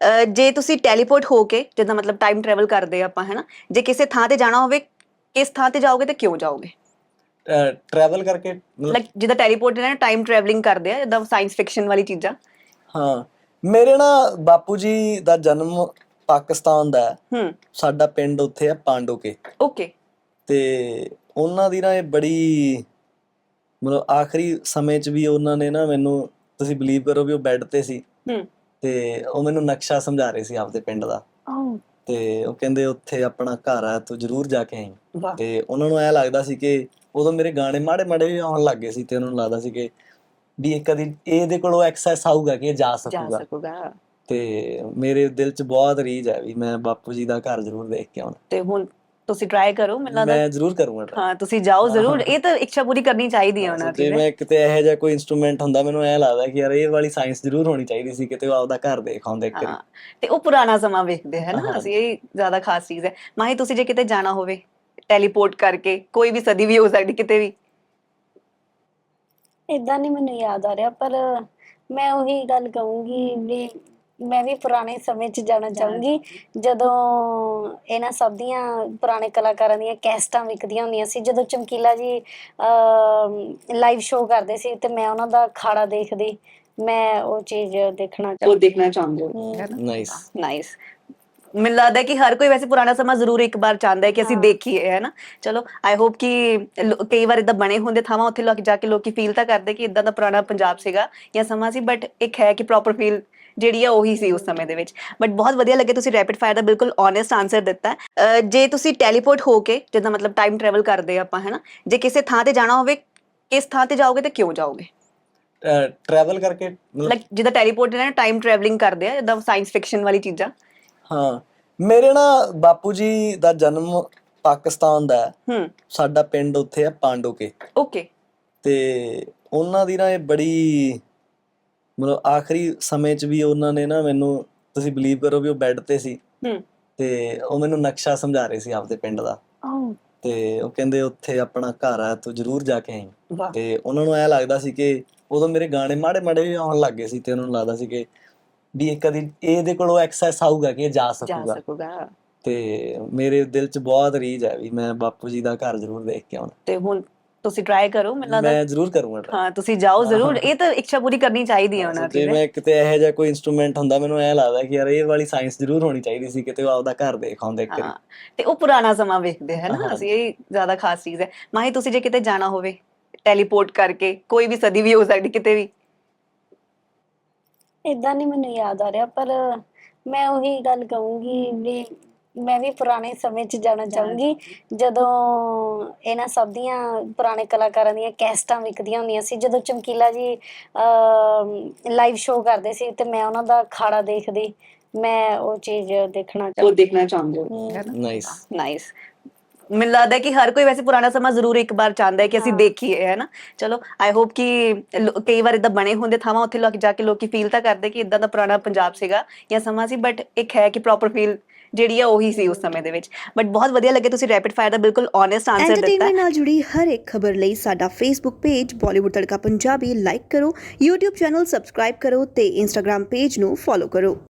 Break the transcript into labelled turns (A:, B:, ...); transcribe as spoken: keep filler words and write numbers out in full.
A: ਅਹ ਜੇ ਤੁਸੀਂ ਟੈਲੀਪੋਰਟ ਹੋ ਕੇ ਜਿੱਦਾਂ ਮਤਲਬ ਟਾਈਮ ਟਰੈਵਲ ਕਰਦੇ ਆ ਆਪਾਂ ਹੈ ਨਾ, ਜੇ ਕਿਸੇ ਥਾਂ ਤੇ ਜਾਣਾ ਹੋਵੇ, ਕਿਸ ਥਾਂ ਤੇ ਜਾਓਗੇ ਤੇ ਕਿਉਂ ਜਾਓਗੇ?
B: ਟਰੈਵਲ ਕਰਕੇ ਮਤਲਬ
A: ਲਾਈਕ ਜਿੱਦਾਂ ਟੈਲੀਪੋਰਟ ਨਾ ਟਾਈਮ ਟਰੈਵਲਿੰਗ ਕਰਦੇ ਆ, ਜਿੱਦਾਂ ਸਾਇੰਸ ਫਿਕਸ਼ਨ ਵਾਲੀ ਚੀਜ਼ਾਂ।
B: ਹਾਂ, ਮੇਰੇ ਨਾ ਬਾਪੂ ਜੀ ਦਾ ਜਨਮ ਪਾਕਿਸਤਾਨ ਦਾ ਹੈ।
A: ਹੂੰ।
B: ਸਾਡਾ ਪਿੰਡ ਉੱਥੇ ਹੈ ਪਾਂਡੋਕੇ।
A: ਓਕੇ।
B: ਤੇ ਉਹਨਾਂ ਦੀ ਨਾ ਇਹ ਬੜੀ ਮਤਲਬ ਆਖਰੀ ਸਮੇਂ 'ਚ ਵੀ ਉਹਨਾਂ ਨੇ ਨਾ ਮੈਨੂੰ, ਤੁਸੀਂ ਬਲੀਵ ਕਰੋ ਵੀ ਉਹ ਬੈੱਡ ਤੇ ਸੀ
A: ਹੂੰ।
B: ਤੇ ਉਹ ਮੈਨੂੰ ਨਕਸ਼ਾ ਸਮਝਾ ਰਹੇ ਸੀ ਆਪਦੇ ਪਿੰਡ ਦਾ।
A: ਓਹ
B: ਤੇ ਉਹ ਕਹਿੰਦੇ ਉੱਥੇ ਆਪਣਾ ਘਰ ਆ, ਤੂੰ ਜ਼ਰੂਰ ਜਾ ਕੇ ਆਈ।
A: ਵਾਹ।
B: ਤੇ ਉਹਨਾਂ ਨੂੰ ਐਂ ਲੱਗਦਾ ਸੀ ਕਿ ਉਦੋਂ ਮੇਰੇ ਗਾਣੇ ਮਾੜੇ ਮਾੜੇ ਵੀ ਆਉਣ ਲੱਗ ਗਏ ਸੀ ਤੇ ਉਹਨਾਂ ਨੂੰ ਲੱਗਦਾ ਸੀ ਕਿ ਵੀ ਇਹ ਕਦੀ ਇਹਦੇ ਕੋਲੋਂ ਐਕਸੈਸ ਆਊਗਾ ਕਿ ਇਹ ਜਾ
A: ਜਾ
B: ਸਕੂਗਾ।
A: ਸਕੂਗਾ।
B: ਤੇ ਮੇਰੇ ਦਿਲ 'ਚ ਬਹੁਤ ਰੀਝ ਹੈ ਵੀ ਮੈਂ ਬਾਪੂ ਜੀ ਦਾ ਘਰ ਜ਼ਰੂਰ ਦੇਖ ਕੇ ਆਉਣਾ।
A: ਤੇ ਹੁਣ ਤੁਸੀਂ ਟਰਾਈ ਕਰੋ, ਮੈਨੂੰ ਲੱਗਦਾ
B: ਮੈਂ ਜ਼ਰੂਰ ਕਰੂੰਗਾ try।
A: ਹਾਂ ਤੁਸੀਂ ਜਾਓ ਜ਼ਰੂਰ, ਇਹ ਤਾਂ ਇੱਛਾ ਪੂਰੀ ਕਰਨੀ ਚਾਹੀਦੀ ਹੈ
B: ਹਾਂ,
A: ਉਹਨਾਂ
B: ਸੋ ਜੇ
A: ਦੀ।
B: ਮੈਂ ਕਿਤੇ ਇਹੋ ਜਿਹਾ ਕੋਈ ਇੰਸਟਰੂਮੈਂਟ ਹੁੰਦਾ, ਮੈਨੂੰ ਐਂ ਲੱਗਦਾ ਕਿ ਯਾਰ ਇਹ ਵਾਲੀ ਸਾਇੰਸ ਜ਼ਰੂਰ ਹੋਣੀ ਚਾਹੀਦੀ ਸੀ, ਕਿਤੇ ਉਹ ਆਪਦਾ ਘਰ ਦੇਖ ਆਉਂਦੇ ਇੱਕ ਵਾਰੀ।
A: ਹਾਂ, ਤੇ ਉਹ ਪੁਰਾਣਾ ਸਮਾਂ ਵੇਖਦੇ ਹੈ ਨਾ
B: ਹਾਂ।
A: ਅਸੀਂ, ਇਹ ਜ਼ਿਆਦਾ ਖਾਸ ਚੀਜ਼ ਹੈ। ਮਾਹੀ ਤੁਸੀਂ ਜੇ ਕਿਤੇ ਜਾਣਾ ਹੋਵੇ ਟੈਲੀਪੋਰਟ ਕਰਕੇ, ਕੋਈ ਵੀ ਸਦੀ ਵੀ ਹੋ ਸਕਦੀ ਕਿਤੇ ਵੀ।
C: ਇਦਾਂ ਨਹੀਂ ਮੈਨੂੰ ਯਾਦ ਆ ਰਿਹਾ, ਪਰ ਮੈਂ ਉਹੀ ਗੱਲ ਕਹੂੰਗੀ ਵੀ ਮੈਂ ਵੀ ਪੁਰਾਣੇ ਸਮੇਂ 'ਚ ਜਾਣਾ ਚਾਹੂੰਗੀ, ਜਦੋਂ ਇਹਨਾਂ ਸਭ ਦੀਆਂ ਪੁਰਾਣੇ ਕਲਾਕਾਰਾਂ ਦੀਆਂ ਕੈਸਟਾਂ ਵਿਕਦੀਆਂ ਹੁੰਦੀਆਂ ਸੀ, ਜਦੋਂ ਚਮਕੀਲਾ ਜੀ ਲਾਈਵ ਸ਼ੋਅ ਕਰਦੇ ਸੀ ਤੇ ਮੈਂ ਉਹਨਾਂ ਦਾ ਅਖਾੜਾ ਦੇਖਦੀ। ਮੈਂ ਉਹ ਚੀਜ਼ ਦੇਖਣਾ
A: ਉਹ ਦੇਖਣਾ ਚਾਹੁੰਦੇ ਹੋ।
B: Nice
A: nice. ਮੈਨੂੰ ਲੱਗਦਾ ਕਿ ਹਰ ਕੋਈ ਵੈਸੇ ਪੁਰਾਣਾ ਸਮਾਂ ਜ਼ਰੂਰ ਇੱਕ ਵਾਰ ਚਾਹੁੰਦਾ ਹੈ ਕਿ ਅਸੀਂ
C: ਹਾਂ।
A: ਦੇਖੀਏ, ਹੈ ਨਾ। ਚਲੋ ਆਈ ਹੋਪ ਕਿ ਲੋ- ਕਈ ਵਾਰ ਇਦਾਂ ਬਣੇ ਹੁੰਦੇ ਥਾਵਾਂ, ਉੱਥੇ ਲੋਕ ਜਾ ਕੇ ਲੋਕੀ ਫੀਲ ਤਾਂ ਕਰਦੇ ਕਿ ਇਦਾਂ ਦਾ ਪੁਰਾਣਾ ਪੰਜਾਬ ਸੀਗਾ ਜਾਂ ਸਮਾਂ ਸੀ, ਬਟ ਇੱਕ ਹੈ ਕਿ ਪ੍ਰੋਪਰ ਫੀਲ ਜਿਹੜੀ ਆ ਉਹੀ ਸੀ ਉਸ ਸਮੇਂ ਦੇ ਵਿੱਚ। ਬਟ ਬਹੁਤ ਵਧੀਆ ਲੱਗੇ, ਤੁਸੀਂ ਰੈਪਿਡ ਫਾਇਰ ਦਾ ਬਿਲਕੁਲ ਓਨੈਸਟ ਆਨਸਰ ਦਿੱਤਾ ਹੈ। ਅਹ ਜੇ ਤੁਸੀਂ ਟੈਲੀਪੋਰਟ ਹੋ ਕੇ ਜਿੱਦਾਂ ਮਤਲਬ ਟਾਈਮ ਟਰੈਵਲ ਕਰਦੇ ਆ ਆਪਾਂ ਹੈ ਨਾ, ਜੇ ਕਿਸੇ ਥਾਂ ਤੇ ਜਾਣਾ ਹੋਵੇ, ਕਿਸ ਥਾਂ ਤੇ ਜਾਓਗੇ ਤੇ ਕਿਉਂ ਜਾਓਗੇ?
B: ਟਰੈਵਲ ਕਰਕੇ ਮਤਲਬ
A: ਲਾਈਕ ਜਿੱਦਾਂ ਟੈਲੀਪੋਰਟ ਨਾ ਟਾਈਮ ਟਰੈਵਲਿੰਗ ਕਰਦੇ ਆ, ਜਿੱਦਾਂ ਸਾਇੰਸ ਫਿਕਸ਼ਨ ਵਾਲੀ ਚੀਜ਼ਾਂ।
B: ਹਾਂ, ਮੇਰੇ ਨਾ ਬਾਪੂ ਜੀ ਦਾ ਜਨਮ ਪਾਕਿਸਤਾਨ ਦਾ ਹੈ।
A: ਹੂੰ।
B: ਸਾਡਾ ਪਿੰਡ ਉੱਥੇ ਹੈ ਪਾਂਡੋਕੇ।
A: ਓਕੇ।
B: ਤੇ ਉਹਨਾਂ ਦੀ ਨਾ ਇਹ ਬੜੀ ਮਤਲਬ ਆਖਰੀ ਸਮੇਂ 'ਚ ਵੀ ਉਹਨਾਂ ਨੇ ਨਾ ਮੈਨੂੰ, ਤੁਸੀਂ ਬਲੀਵ ਕਰੋ ਵੀ ਉਹ ਬੈੱਡ ਤੇ ਸੀ
A: ਹੂੰ।
B: ਤੇ ਉਹ ਮੈਨੂੰ ਨਕਸ਼ਾ ਸਮਝਾ ਰਹੇ ਸੀ ਆਪਦੇ ਪਿੰਡ ਦਾ।
A: ਓਹ
B: ਤੇ ਉਹ ਕਹਿੰਦੇ ਉੱਥੇ ਆਪਣਾ ਘਰ ਆ, ਤੂੰ ਜ਼ਰੂਰ ਜਾ ਕੇ ਆਈ।
A: ਵਾਹ।
B: ਤੇ ਉਹਨਾਂ ਨੂੰ ਐਂ ਲੱਗਦਾ ਸੀ ਕਿ ਉਦੋਂ ਮੇਰੇ ਗਾਣੇ ਮਾੜੇ ਮਾੜੇ ਵੀ ਆਉਣ ਲੱਗ ਗਏ ਸੀ ਤੇ ਉਹਨਾਂ ਨੂੰ ਲੱਗਦਾ ਸੀ ਕਿ ਵੀ ਇਹ ਕਦੀ ਇਹਦੇ ਕੋਲੋਂ ਐਕਸੈਸ ਆਊਗਾ ਕਿ ਇਹ ਜਾ
A: ਜਾ
B: ਸਕੂਗਾ।
A: ਸਕੂਗਾ।
B: ਤੇ ਮੇਰੇ ਦਿਲ 'ਚ ਬਹੁਤ ਰੀਝ ਹੈ ਵੀ ਮੈਂ ਬਾਪੂ ਜੀ ਦਾ ਘਰ ਜ਼ਰੂਰ ਦੇਖ ਕੇ ਆਉਣਾ।
A: ਤੇ ਹੁਣ ਤੁਸੀਂ ਟਰਾਈ ਕਰੋ, ਮੈਨੂੰ ਲੱਗਦਾ
B: ਮੈਂ ਜ਼ਰੂਰ ਕਰੂੰਗਾ try।
A: ਹਾਂ ਤੁਸੀਂ ਜਾਓ ਜ਼ਰੂਰ, ਇਹ ਤਾਂ ਇੱਛਾ ਪੂਰੀ ਕਰਨੀ ਚਾਹੀਦੀ ਹੈ
B: ਹਾਂ, ਸੋ
A: ਉਹਨਾਂ
B: ਜੇ
A: ਦੀ।
B: ਮੈਂ ਕਿਤੇ ਇਹੋ ਜਿਹਾ ਕੋਈ ਇੰਸਟਰੂਮੈਂਟ ਹੁੰਦਾ, ਮੈਨੂੰ ਐਂ ਲੱਗਦਾ ਕਿ ਯਾਰ ਇਹ ਵਾਲੀ ਸਾਇੰਸ ਜ਼ਰੂਰ ਹੋਣੀ ਚਾਹੀਦੀ ਸੀ, ਕਿਤੇ ਉਹ ਆਪਦਾ ਘਰ ਦੇਖ ਆਉਂਦੇ ਇੱਕ ਵਾਰੀ।
A: ਹਾਂ, ਤੇ ਉਹ ਪੁਰਾਣਾ ਸਮਾਂ ਵੇਖਦੇ ਹੈ ਨਾ
B: ਹਾਂ।
A: ਅਸੀਂ, ਇਹ ਜ਼ਿਆਦਾ ਖਾਸ ਚੀਜ਼ ਹੈ। ਮਾਹੀ ਤੁਸੀਂ ਜੇ ਕਿਤੇ ਜਾਣਾ ਹੋਵੇ ਟੈਲੀਪੋਰਟ ਕਰਕੇ, ਕੋਈ ਵੀ ਸਦੀ ਵੀ ਹੋ ਸਕਦੀ ਕਿਤੇ ਵੀ।
C: ਇਦਾਂ ਨਹੀਂ ਮੈਨੂੰ ਯਾਦ ਆ ਰਿਹਾ, ਪਰ ਮੈਂ ਉਹੀ ਗੱਲ ਕਹੂੰਗੀ ਵੀ ਮੈਂ ਵੀ ਪੁਰਾਣੇ ਸਮੇਂ 'ਚ ਜਾਣਾ ਚਾਹੂੰਗੀ, ਜਦੋਂ ਇਹਨਾਂ ਸਭ ਦੀਆਂ ਪੁਰਾਣੇ ਕਲਾਕਾਰਾਂ ਦੀਆਂ ਕੈਸਟਾਂ ਵਿਕਦੀਆਂ ਹੁੰਦੀਆਂ ਸੀ, ਜਦੋਂ ਚਮਕੀਲਾ ਜੀ ਲਾਈਵ ਸ਼ੋਅ ਕਰਦੇ ਸੀ ਤੇ ਮੈਂ ਉਹਨਾਂ ਦਾ ਅਖਾੜਾ ਦੇਖਦੀ। ਮੈਂ ਉਹ ਚੀਜ਼ ਦੇਖਣਾ
A: ਉਹ ਦੇਖਣਾ ਚਾਹੁੰਦੇ ਹੋ।
B: Nice
A: nice. ਮੈਨੂੰ ਲੱਗਦਾ ਕਿ ਹਰ ਕੋਈ ਵੈਸੇ ਪੁਰਾਣਾ ਸਮਾਂ ਜ਼ਰੂਰ ਇੱਕ ਵਾਰ ਚਾਹੁੰਦਾ ਹੈ ਕਿ ਅਸੀਂ
C: ਹਾਂ।
A: ਦੇਖੀਏ, ਹੈ ਨਾ। ਚਲੋ ਆਈ ਹੋਪ ਕਿ ਲੋ- ਕਈ ਵਾਰ ਇਦਾਂ ਬਣੇ ਹੁੰਦੇ ਥਾਵਾਂ, ਉੱਥੇ ਲੋਕ ਜਾ ਕੇ ਲੋਕੀ ਫੀਲ ਤਾਂ ਕਰਦੇ ਕਿ ਇਦਾਂ ਦਾ ਪੁਰਾਣਾ ਪੰਜਾਬ ਸੀਗਾ ਜਾਂ ਸਮਾਂ ਸੀ, ਬਟ ਇੱਕ ਹੈ ਕਿ ਪ੍ਰੋਪਰ ਫੀਲ ਜਿਹੜੀ ਆ ਉਹੀ ਸੀ ਉਸ ਸਮੇਂ ਦੇ ਵਿੱਚ। ਬਟ ਬਹੁਤ ਵਧੀਆ ਲੱਗੇ, ਤੁਸੀਂ ਰੈਪਿਡ ਫਾਇਰ ਦਾ ਬਿਲਕੁਲ ਓਨੈਸਟ ਆਨਸਰ ਦਿੱਤਾ ਹੈ।
D: ਐਂਟਰਟੇਨਮੈਂਟ ਨਾਲ ਜੁੜੀ ਹਰ ਇੱਕ ਖਬਰ ਲਈ ਸਾਡਾ Facebook page Bollywood Tadka Punjabi like ਕਰੋ, YouTube ਚੈਨਲ ਸਬਸਕ੍ਰਾਈਬ ਕਰੋ ਤੇ Instagram ਪੇਜ ਨੂੰ ਫੋਲੋ ਕਰੋ।